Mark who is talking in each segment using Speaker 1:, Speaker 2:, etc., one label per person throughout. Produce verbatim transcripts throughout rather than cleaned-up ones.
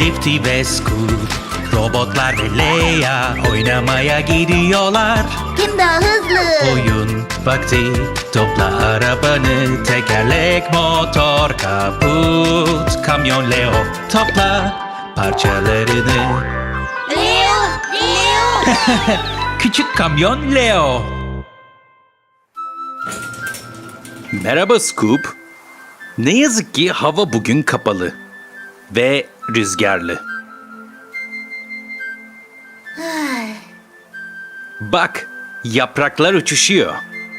Speaker 1: Lifty ve Scoop, robotlar ve Leia oynamaya gidiyorlar.
Speaker 2: Kim daha hızlı?
Speaker 1: Oyun vakti, topla arabanı, tekerlek, motor, kaput, kamyon Leo, topla parçalarını.
Speaker 2: Leo! Leo!
Speaker 1: Küçük kamyon Leo. Merhaba Scoop. Ne yazık ki hava bugün kapalı ve rüzgarlı. Bak, yapraklar uçuşuyor.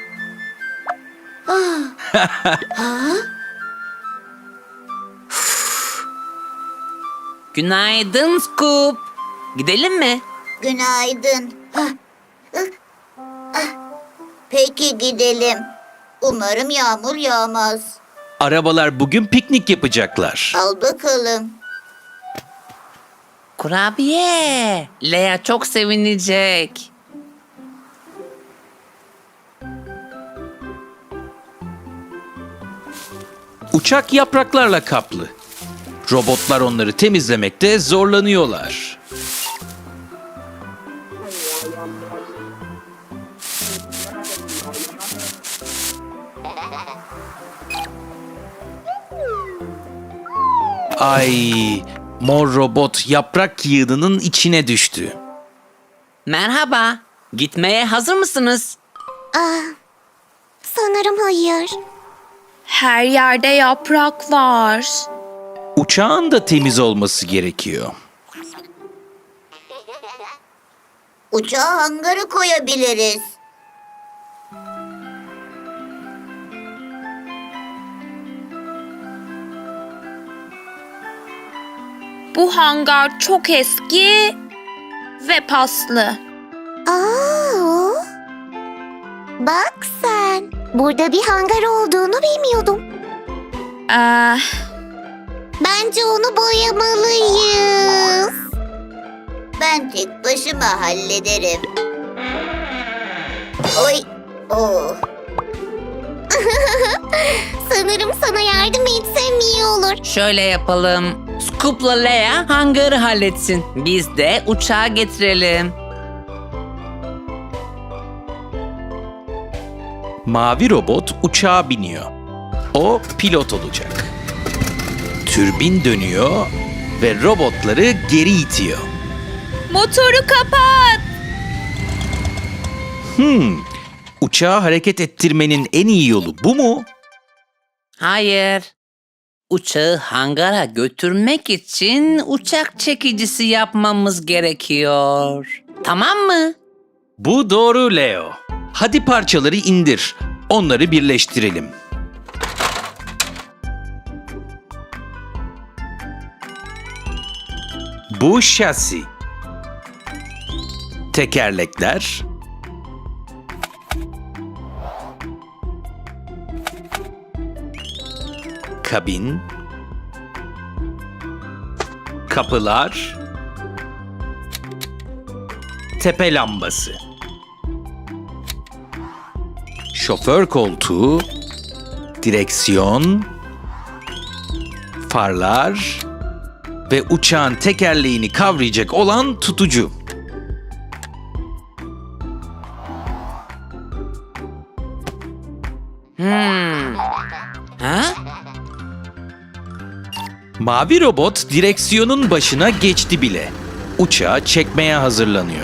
Speaker 3: Günaydın Scoop. Gidelim mi?
Speaker 2: Günaydın. Hah, ıh, ah. Peki gidelim. Umarım yağmur yağmaz.
Speaker 1: Arabalar bugün piknik yapacaklar.
Speaker 2: Al bakalım.
Speaker 3: Kurabiye. Lea çok sevinecek.
Speaker 1: Uçak yapraklarla kaplı. Robotlar onları temizlemekte zorlanıyorlar. Ay, mor robot yaprak yığınının içine düştü.
Speaker 3: Merhaba. Gitmeye hazır mısınız?
Speaker 2: Sanırım hayır.
Speaker 4: Her yerde yaprak var.
Speaker 1: Uçağın da temiz olması gerekiyor.
Speaker 2: Uçağı hangara koyabiliriz.
Speaker 4: Bu hangar çok eski ve paslı.
Speaker 2: Aa, bak sen. Burada bir hangar olduğunu bilmiyordum.
Speaker 4: Ee,
Speaker 2: Bence onu boyamalıyız. Ben tek başıma hallederim. Oy. Oh. Sanırım sana yardım etsem iyi olur.
Speaker 3: Şöyle yapalım. Scoop'la Lea hangarı halletsin. Biz de uçağı getirelim.
Speaker 1: Mavi robot uçağa biniyor. O pilot olacak. Türbin dönüyor ve robotları geri itiyor.
Speaker 4: motoru kapat.
Speaker 1: Hmm, uçağı hareket ettirmenin en iyi yolu bu mu?
Speaker 3: Hayır. Uçağı hangara götürmek için uçak çekicisi yapmamız gerekiyor. Tamam mı?
Speaker 1: Bu doğru Leo. Hadi parçaları indir. Onları birleştirelim. Bu şasi. Tekerlekler. Kabin. Kapılar. Tepe lambası. Şoför koltuğu, direksiyon, farlar ve uçağın tekerleğini kavrayacak olan tutucu.
Speaker 3: Hmm. Ha?
Speaker 1: Mavi robot direksiyonun başına geçti bile. Uçağı çekmeye hazırlanıyor.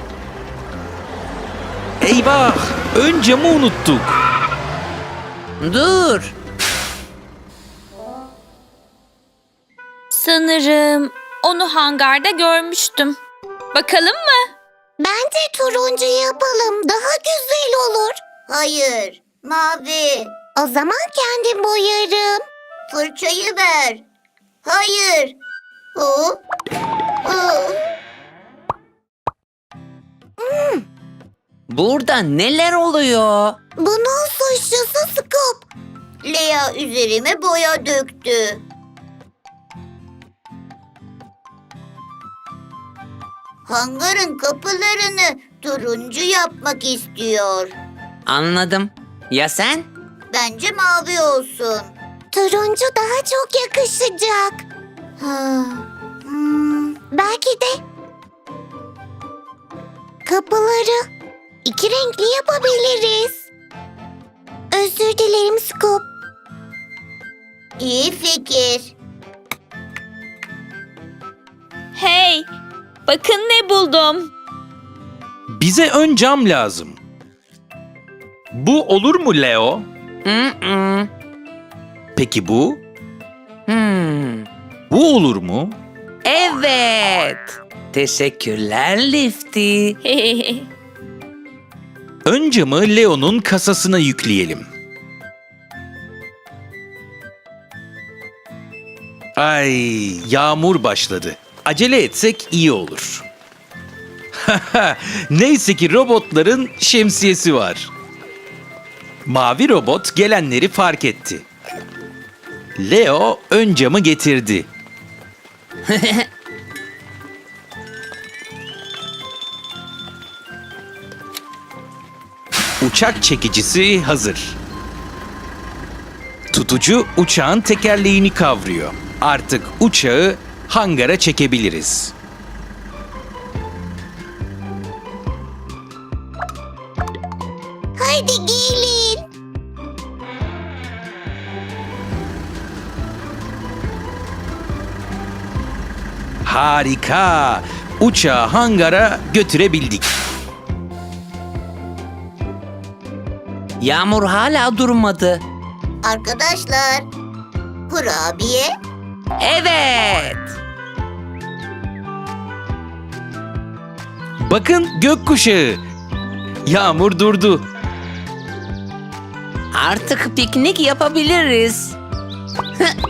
Speaker 1: Eyvah! Ön camı unuttuk.
Speaker 3: Dur.
Speaker 4: Sanırım onu hangarda görmüştüm. Bakalım mı?
Speaker 2: Bence turuncu yapalım. Daha güzel olur. Hayır. Mavi. O zaman kendim boyarım. Fırçayı ver. Hayır. Oh. Oh.
Speaker 3: Burada neler oluyor?
Speaker 2: Bunun suçlusu Scoop. Lea üzerime boya döktü. Hangarın kapılarını turuncu yapmak istiyor.
Speaker 3: Anladım. Ya sen?
Speaker 2: Bence mavi olsun. Turuncu daha çok yakışacak. Ha. Hmm. Belki de kapıları iki renkli yapabiliriz. Özür dilerim Scoop. İyi fikir.
Speaker 4: Hey, bakın ne buldum.
Speaker 1: Bize ön cam lazım. Bu olur mu Leo?
Speaker 3: Mm-mm.
Speaker 1: Peki bu?
Speaker 3: Hmm.
Speaker 1: Bu olur mu?
Speaker 3: Evet. Teşekkürler Lifty.
Speaker 1: Ön camı Leo'nun kasasına yükleyelim. Ay, yağmur başladı. Acele etsek iyi olur. Neyse ki robotların şemsiyesi var. Mavi robot gelenleri fark etti. Leo ön camı getirdi. Uçak çekicisi hazır. Tutucu uçağın tekerleğini kavruyor. Artık uçağı hangara çekebiliriz.
Speaker 2: Haydi gelin.
Speaker 1: Harika! Uçağı hangara götürebildik.
Speaker 3: Yağmur hala durmadı.
Speaker 2: Arkadaşlar, kurabiye.
Speaker 3: Evet.
Speaker 1: Bakın gökkuşağı. Yağmur durdu.
Speaker 3: Artık piknik yapabiliriz.